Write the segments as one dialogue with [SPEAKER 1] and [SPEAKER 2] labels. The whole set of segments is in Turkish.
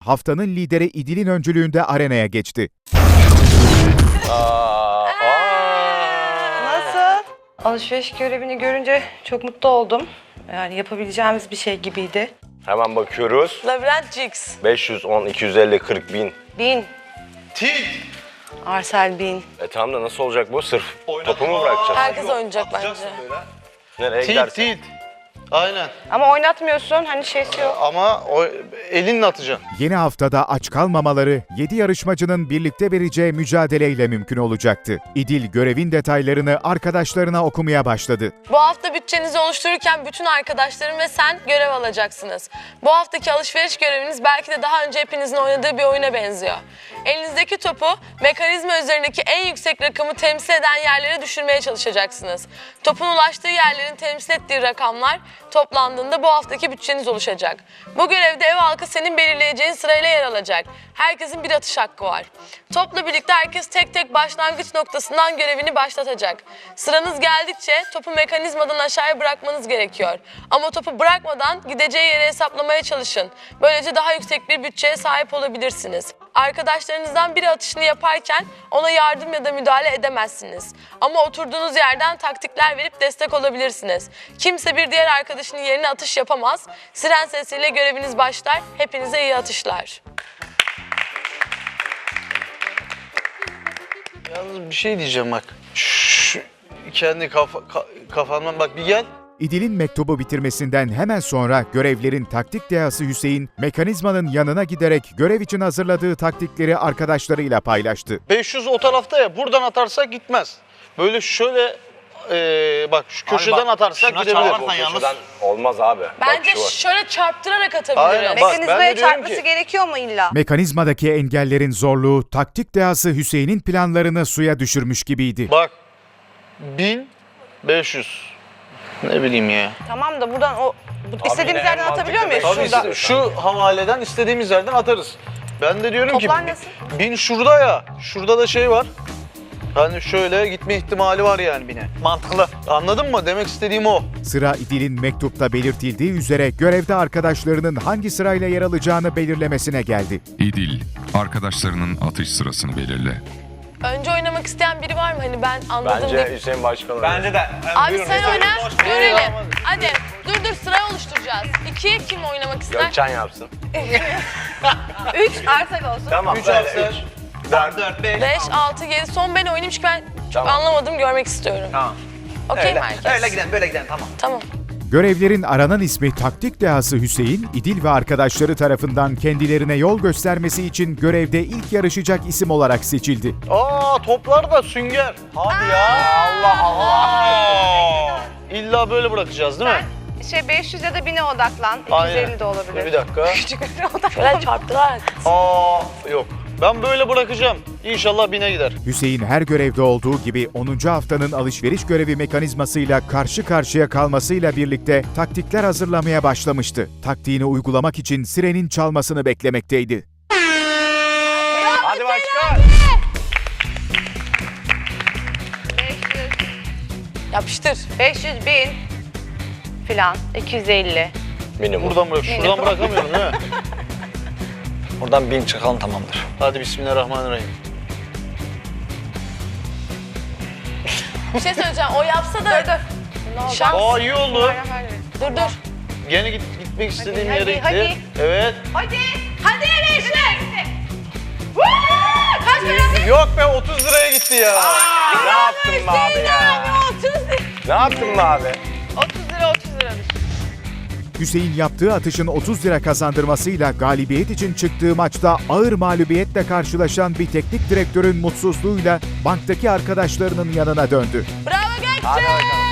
[SPEAKER 1] haftanın lideri İdil'in öncülüğünde arenaya geçti.
[SPEAKER 2] Nasıl? Alışveriş görevini görünce çok mutlu oldum. Yani yapabileceğimiz bir şey gibiydi.
[SPEAKER 3] Hemen bakıyoruz.
[SPEAKER 2] Labirent Jigs.
[SPEAKER 3] 510, 250, 40 bin.
[SPEAKER 2] 1000.
[SPEAKER 4] Tilt.
[SPEAKER 2] Arsel 1000.
[SPEAKER 3] Tamam da nasıl olacak bu? Sırf topu mu bırakacağız?
[SPEAKER 2] Herkes oynayacak bence.
[SPEAKER 3] Nereye
[SPEAKER 4] Tilt,
[SPEAKER 3] gidersin?
[SPEAKER 4] tilt. Aynen.
[SPEAKER 2] Ama oynatmıyorsun, hani şeysi yok.
[SPEAKER 4] Ama o elinle atacaksın.
[SPEAKER 1] Yeni haftada aç kalmamaları 7 yarışmacının birlikte vereceği mücadeleyle mümkün olacaktı. İdil görevin detaylarını arkadaşlarına okumaya başladı.
[SPEAKER 5] Bu hafta bütçenizi oluştururken bütün arkadaşlarım ve sen görev alacaksınız. Bu haftaki alışveriş göreviniz belki de daha önce hepinizin oynadığı bir oyuna benziyor. Elinizdeki topu mekanizma üzerindeki en yüksek rakamı temsil eden yerlere düşürmeye çalışacaksınız. Topun ulaştığı yerlerin temsil ettiği rakamlar toplandığında bu haftaki bütçeniz oluşacak. Bu görevde ev halkı senin belirleyeceğin sırayla yer alacak. Herkesin bir atış hakkı var. Topla birlikte herkes tek tek başlangıç noktasından görevini başlatacak. Sıranız geldikçe topu mekanizmadan aşağıya bırakmanız gerekiyor. Ama topu bırakmadan gideceği yere hesaplamaya çalışın. Böylece daha yüksek bir bütçeye sahip olabilirsiniz. Arkadaşlarınızdan biri atışını yaparken ona yardım ya da müdahale edemezsiniz. Ama oturduğunuz yerden taktikler verip destek olabilirsiniz. Kimse bir diğer arkadaşının yerine atış yapamaz. Siren sesiyle göreviniz başlar. Hepinize iyi atışlar.
[SPEAKER 4] Yalnız bir şey diyeceğim bak. Kendi kafandan bak bir gel.
[SPEAKER 1] İdil'in mektubu bitirmesinden hemen sonra görevlerin taktik dehası Hüseyin, mekanizmanın yanına giderek görev için hazırladığı taktikleri arkadaşlarıyla paylaştı.
[SPEAKER 4] 500 o tarafta ya, buradan atarsak gitmez. Böyle şöyle bak şu köşeden atarsak gidebilir.
[SPEAKER 3] Köşeden olmaz abi.
[SPEAKER 5] Bence
[SPEAKER 3] Bak, şu var.
[SPEAKER 5] şöyle çarptırarak atabiliriz.
[SPEAKER 4] Aynen, bak, ben de
[SPEAKER 2] Mekanizmaya
[SPEAKER 4] diyorum
[SPEAKER 2] çarpması
[SPEAKER 4] ki-
[SPEAKER 2] gerekiyor mu illa?
[SPEAKER 1] Mekanizmadaki engellerin zorluğu taktik dehası Hüseyin'in planlarını suya düşürmüş gibiydi.
[SPEAKER 4] Bak 1500. Ne bileyim ya.
[SPEAKER 2] Tamam da buradan istediğimiz
[SPEAKER 3] yine
[SPEAKER 2] yerden
[SPEAKER 3] en
[SPEAKER 2] atabiliyor muyuz?
[SPEAKER 3] mantıklı
[SPEAKER 4] Tabii
[SPEAKER 2] Şurada.
[SPEAKER 4] şu havaleden istediğimiz yerden atarız. Ben de diyorum
[SPEAKER 2] Toplar
[SPEAKER 4] ki
[SPEAKER 2] nasıl?
[SPEAKER 4] 1000 şurada ya. Şurada da şey var. Hani şöyle gitme ihtimali var yani bine. Mantıklı. Anladın mı? Demek istediğim o.
[SPEAKER 1] Sıra İdil'in mektupta belirtildiği üzere görevde arkadaşlarının hangi sırayla yer alacağını belirlemesine geldi.
[SPEAKER 6] İdil, arkadaşlarının atış sırasını belirle.
[SPEAKER 5] Önce oynamak isteyen biri var mı? Hani ben anladım
[SPEAKER 3] Bence
[SPEAKER 5] diye.
[SPEAKER 3] Hüseyin Başkan
[SPEAKER 7] Bence de.
[SPEAKER 5] Abi sen oyna, görelim. Hadi dur sırayı oluşturacağız. 2 kim oynamak ister?
[SPEAKER 3] Gökçen yapsın.
[SPEAKER 2] 3 arsak olsun.
[SPEAKER 3] Tamam.
[SPEAKER 4] 3 harfler.
[SPEAKER 7] 4, 5.
[SPEAKER 5] 5, 6, 7. Son ben oynayayım çünkü ben çok
[SPEAKER 3] Tamam.
[SPEAKER 5] anlamadım, görmek istiyorum.
[SPEAKER 7] Tamam.
[SPEAKER 5] Okey mi herkes?
[SPEAKER 7] Öyle gidelim, böyle gidelim, tamam.
[SPEAKER 5] Tamam.
[SPEAKER 1] Görevlerin aranan ismi taktik dehası Hüseyin, İdil ve arkadaşları tarafından kendilerine yol göstermesi için görevde ilk yarışacak isim olarak seçildi.
[SPEAKER 4] Aa toplar da sünger. Hadi ya. Allah Allah. İlla böyle bırakacağız değil mi?
[SPEAKER 2] 500 ya da 1000'e odaklan.
[SPEAKER 4] Aynen.
[SPEAKER 2] 250 de olabilir.
[SPEAKER 4] Bir dakika.
[SPEAKER 5] Şöyle çarptırarak.
[SPEAKER 4] Aa yok. Ben böyle bırakacağım. İnşallah 1000'e gider.
[SPEAKER 1] Hüseyin her görevde olduğu gibi 10. haftanın alışveriş görevi mekanizmasıyla karşı karşıya kalmasıyla birlikte taktikler hazırlamaya başlamıştı. Taktiğini uygulamak için sirenin çalmasını beklemekteydi.
[SPEAKER 3] Hadi başkan.
[SPEAKER 2] 500,
[SPEAKER 5] Yapıştır.
[SPEAKER 2] 500, 1000 filan. 250.
[SPEAKER 3] Minimum.
[SPEAKER 4] Buradan bırak. Şuradan bırakamıyorum değil mi?
[SPEAKER 7] Buradan 1000 çıkalım, tamamdır.
[SPEAKER 4] Hadi bismillahirrahmanirrahim.
[SPEAKER 5] Bir şey söyleyeceğim. O yapsa da... Dur. Şans.
[SPEAKER 4] Aa iyi oldu.
[SPEAKER 5] Dur.
[SPEAKER 4] Gene gitmek istediğim
[SPEAKER 2] Hadi,
[SPEAKER 4] yere gitti.
[SPEAKER 2] hadi.
[SPEAKER 4] Evet.
[SPEAKER 2] Hadi. Hadi Beşler. Kaç para?
[SPEAKER 4] Yok be 30 liraya gitti ya.
[SPEAKER 3] Ne yaptın be abi ya?
[SPEAKER 2] 30 lira.
[SPEAKER 3] Ne yaptın be abi?
[SPEAKER 2] 30 lira 30 liradır.
[SPEAKER 1] Hüseyin yaptığı atışın 30 lira kazandırmasıyla galibiyet için çıktığı maçta ağır mağlubiyetle karşılaşan bir teknik direktörün mutsuzluğuyla banktaki arkadaşlarının yanına döndü.
[SPEAKER 5] Bravo Gökçe.
[SPEAKER 3] Hadi bakalım.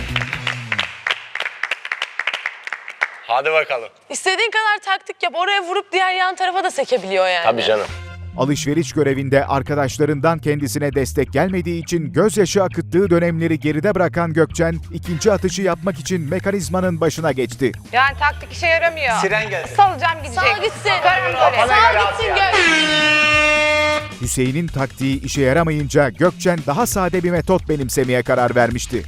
[SPEAKER 3] Hadi bakalım.
[SPEAKER 5] İstediğin kadar taktik yap. Oraya vurup diğer yan tarafa da sekebiliyor yani.
[SPEAKER 3] Tabii canım.
[SPEAKER 1] Alışveriş görevinde arkadaşlarından kendisine destek gelmediği için gözyaşı akıttığı dönemleri geride bırakan Gökçen, ikinci atışı yapmak için mekanizmanın başına geçti.
[SPEAKER 2] Yani taktik işe yaramıyor.
[SPEAKER 7] Siren gelsin.
[SPEAKER 2] Salacağım gidecek.
[SPEAKER 5] Sağ gitsin.
[SPEAKER 2] Karambole.
[SPEAKER 5] Sağ gitsin Gökçe.
[SPEAKER 1] Hüseyin'in taktiği işe yaramayınca Gökçen daha sade bir metot benimsemeye karar vermişti.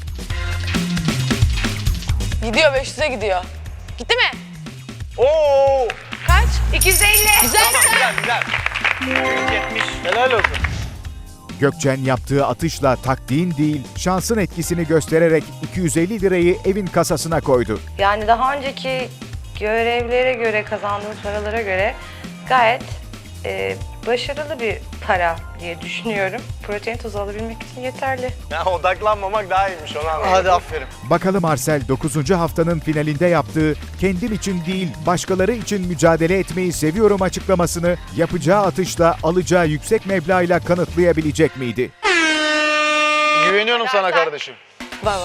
[SPEAKER 5] Gidiyor, 500'e gidiyor. Gitti mi?
[SPEAKER 4] Oo!
[SPEAKER 5] Kaç?
[SPEAKER 2] 250.
[SPEAKER 5] Güzel.
[SPEAKER 7] Güzel. 70.
[SPEAKER 4] Helal olsun.
[SPEAKER 1] Gökçen yaptığı atışla taktiğin değil, şansın etkisini göstererek 250 lirayı evin kasasına koydu.
[SPEAKER 2] Yani daha önceki görevlere göre, kazandığım paralara göre gayet başarılı bir para diye düşünüyorum. Protein tozu alabilmek için yeterli.
[SPEAKER 3] Ya odaklanmamak daha iyiymiş onu anladım.
[SPEAKER 4] Hadi aferin.
[SPEAKER 1] Bakalım Arsel 9. haftanın finalinde yaptığı kendim için değil başkaları için mücadele etmeyi seviyorum açıklamasını yapacağı atışla alacağı yüksek meblağıyla kanıtlayabilecek miydi?
[SPEAKER 4] Güveniyorum sana kardeşim.
[SPEAKER 2] Baba.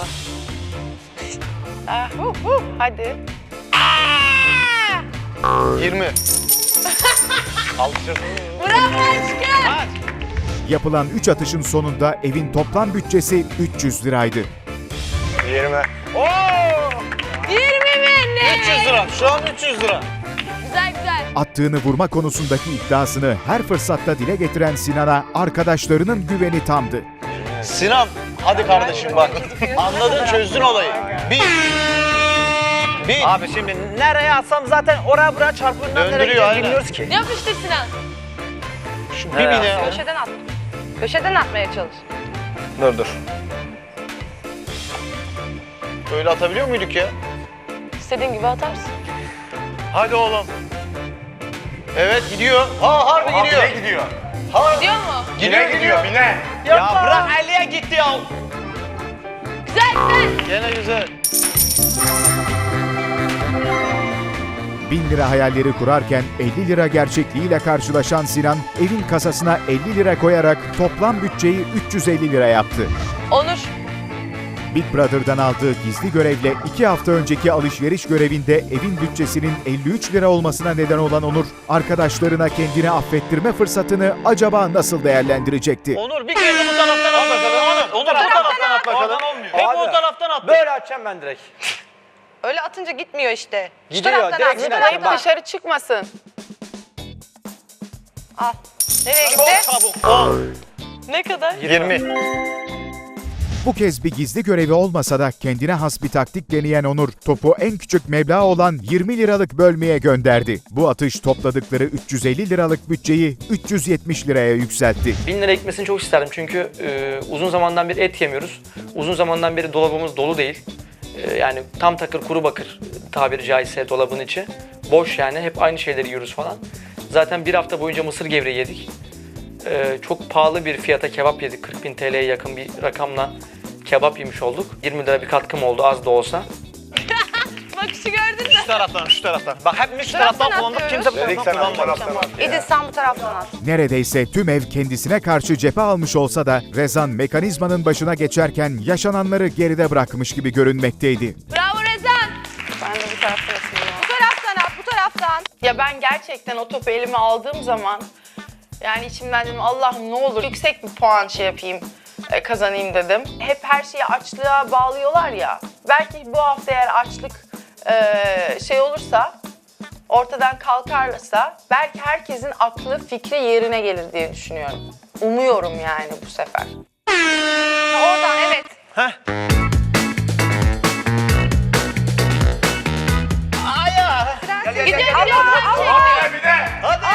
[SPEAKER 2] Hadi.
[SPEAKER 4] 20.
[SPEAKER 3] Alışırsın.
[SPEAKER 5] Bravo aşkım.
[SPEAKER 1] Yapılan 3 atışın sonunda evin toplam bütçesi 300 liraydı.
[SPEAKER 3] 20.
[SPEAKER 5] 20 mi? Ne?
[SPEAKER 4] 300 lira. Şu an 300 lira.
[SPEAKER 5] Güzel güzel.
[SPEAKER 1] Attığını vurma konusundaki iddiasını her fırsatta dile getiren Sinan'a arkadaşlarının güveni tamdı.
[SPEAKER 4] Sinan, hadi kardeşim bak. Anladın, çözdün olayı. Bir.
[SPEAKER 7] Abi şimdi nereye atsam zaten oraya buraya çarpından nereye
[SPEAKER 4] Döndürüyor,
[SPEAKER 7] gideceğiz
[SPEAKER 4] aynen.
[SPEAKER 7] bilmiyoruz ki.
[SPEAKER 5] Yapıştır Sinan.
[SPEAKER 4] Şu bir bine.
[SPEAKER 2] Köşeden at. Köşeden atmaya çalış.
[SPEAKER 7] Dur.
[SPEAKER 4] Öyle atabiliyor muyduk ya?
[SPEAKER 5] İstediğin gibi atarsın.
[SPEAKER 4] Hadi oğlum. Evet gidiyor. Ha harbi gidiyor.
[SPEAKER 3] Bine gidiyor.
[SPEAKER 5] Gidiyor mu?
[SPEAKER 3] Bine gidiyor bine.
[SPEAKER 7] Ya bırak 50'ye gitti ya.
[SPEAKER 5] Güzel güzel.
[SPEAKER 4] Gene güzel.
[SPEAKER 1] 1000 lira hayalleri kurarken 50 lira gerçekliğiyle karşılaşan Sinan evin kasasına 50 lira koyarak toplam bütçeyi 350 lira yaptı.
[SPEAKER 5] Onur.
[SPEAKER 1] Big Brother'dan aldığı gizli görevle 2 hafta önceki alışveriş görevinde evin bütçesinin 53 lira olmasına neden olan Onur, arkadaşlarına kendini affettirme fırsatını acaba nasıl değerlendirecekti?
[SPEAKER 4] Onur bir kere de bu taraftan at bakalım. Onur bu taraftan at bakalım.
[SPEAKER 7] Oradan olmuyor.
[SPEAKER 4] Hep
[SPEAKER 7] Abi.
[SPEAKER 4] o taraftan at.
[SPEAKER 7] Böyle açacağım ben direkt.
[SPEAKER 2] Öyle atınca gitmiyor işte. Şu
[SPEAKER 7] Gidiyor,
[SPEAKER 2] taraftan
[SPEAKER 7] direkt
[SPEAKER 2] at. Şu
[SPEAKER 7] gidiyor.
[SPEAKER 2] taraftan
[SPEAKER 7] Bak.
[SPEAKER 2] dışarı çıkmasın. Al. Nereye gitti?
[SPEAKER 4] Çabuk. 10.
[SPEAKER 5] Ne kadar?
[SPEAKER 4] 20.
[SPEAKER 1] Bu kez bir gizli görevi olmasa da kendine has bir taktik deneyen Onur, topu en küçük meblağ olan 20 liralık bölmeye gönderdi. Bu atış topladıkları 350 liralık bütçeyi 370 liraya yükseltti.
[SPEAKER 8] 1000 lira gitmesini çok isterdim çünkü uzun zamandan beri et yemiyoruz. Uzun zamandan beri dolabımız dolu değil. Yani tam takır kuru bakır tabiri caizse dolabın içi. Boş yani hep aynı şeyleri yiyoruz falan. Zaten bir hafta boyunca mısır gevreği yedik. Çok pahalı bir fiyata kebap yedik. 40.000 TL'ye yakın bir rakamla kebap yemiş olduk. 20 lira bir katkım oldu az da olsa.
[SPEAKER 5] Bakışı gördün mü?
[SPEAKER 4] Şu taraftan, şu taraftan.
[SPEAKER 7] Bak hepimiz şu taraftan kullandık. Kimse bu
[SPEAKER 3] Dedik
[SPEAKER 7] taraftan
[SPEAKER 3] sana bu
[SPEAKER 7] kullanmadı.
[SPEAKER 3] taraftan at ya.
[SPEAKER 2] İdil sen bu taraftan at.
[SPEAKER 1] Neredeyse tüm ev kendisine karşı cephe almış olsa da Rezan mekanizmanın başına geçerken yaşananları geride bırakmış gibi görünmekteydi.
[SPEAKER 5] Bravo Rezan.
[SPEAKER 2] Ben de bu taraftan atayım ya.
[SPEAKER 9] Bu taraftan at, bu taraftan. Ya ben gerçekten o topu elime aldığım zaman yani içimden dedim Allah'ım ne olur yüksek bir puan şey yapayım, kazanayım dedim. Hep her şeyi açlığa bağlıyorlar ya. Belki bu hafta eğer açlık şey olursa, ortadan kalkarsa belki herkesin aklı, fikri yerine gelir diye düşünüyorum. Umuyorum yani bu sefer.
[SPEAKER 2] Oradan evet.
[SPEAKER 5] Gidiyor gidiyor.
[SPEAKER 3] Hadi bine.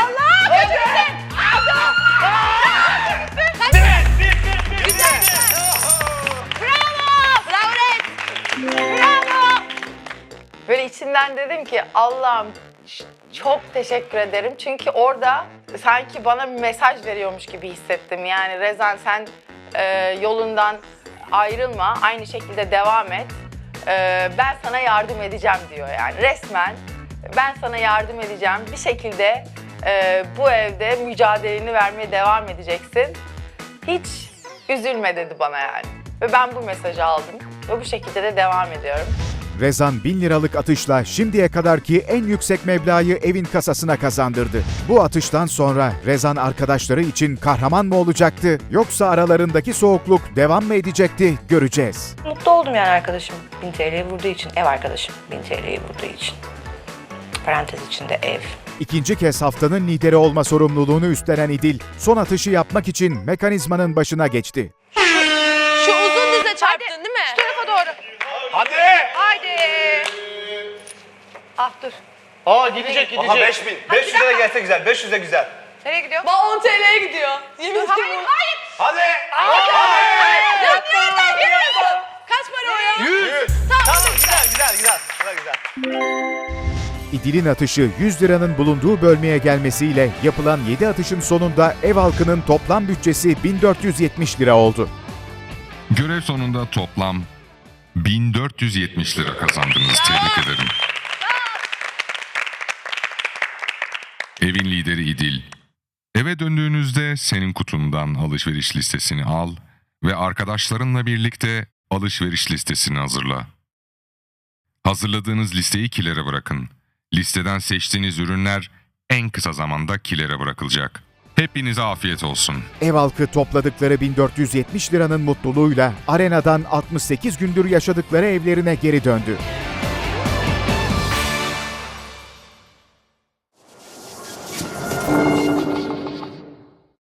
[SPEAKER 5] Bravo Rez.
[SPEAKER 9] Böyle içinden dedim ki Allah'ım çok teşekkür ederim. Çünkü orada sanki bana bir mesaj veriyormuş gibi hissettim. Yani Rezan sen yolundan ayrılma, aynı şekilde devam et. Ben sana yardım edeceğim diyor yani resmen. Ben sana yardım edeceğim. Bir şekilde bu evde mücadeleni vermeye devam edeceksin. Hiç üzülme dedi bana yani. Ve ben bu mesajı aldım. Ve bu şekilde de devam ediyorum.
[SPEAKER 1] Rezan 1000 liralık atışla şimdiye kadarki en yüksek meblağı evin kasasına kazandırdı. Bu atıştan sonra Rezan arkadaşları için kahraman mı olacaktı yoksa aralarındaki soğukluk devam mı edecekti göreceğiz.
[SPEAKER 2] Mutlu oldum yani arkadaşım 1000 TL'yi vurduğu için. Ev arkadaşım 1000 TL'yi vurduğu için. Parantez içinde ev.
[SPEAKER 1] İkinci kez haftanın lideri olma sorumluluğunu üstlenen İdil, son atışı yapmak için mekanizmanın başına geçti.
[SPEAKER 5] Şu uzun dize çarptın değil mi?
[SPEAKER 2] Şu tarafa doğru.
[SPEAKER 3] Hadi.
[SPEAKER 2] Haydi. Ah dur.
[SPEAKER 4] Aa gidecek
[SPEAKER 3] Aha 5000. 500'e de gelse güzel. 500'e güzel.
[SPEAKER 2] Nereye gidiyor?
[SPEAKER 5] Bak 10 TL'ye gidiyor. Yemin ederim.
[SPEAKER 3] Hadi.
[SPEAKER 5] Ya nereden geliyorsun? Kaç para o ya?
[SPEAKER 3] 100.
[SPEAKER 7] Tamam güzel. Sıra güzel.
[SPEAKER 1] İdil'in atışı 100 liranın bulunduğu bölmeye gelmesiyle yapılan 7 atışın sonunda ev halkının toplam bütçesi 1470 lira oldu.
[SPEAKER 6] Görev sonunda toplam 1470 lira kazandınız. Tebrik ederim. Evin lideri İdil. Eve döndüğünüzde senin kutundan alışveriş listesini al ve arkadaşlarınla birlikte alışveriş listesini hazırla. Hazırladığınız listeyi kilere bırakın. Listeden seçtiğiniz ürünler en kısa zamanda kilere bırakılacak. Hepinize afiyet olsun.
[SPEAKER 1] Ev halkı topladıkları 1470 liranın mutluluğuyla arenadan 68 gündür yaşadıkları evlerine geri döndü.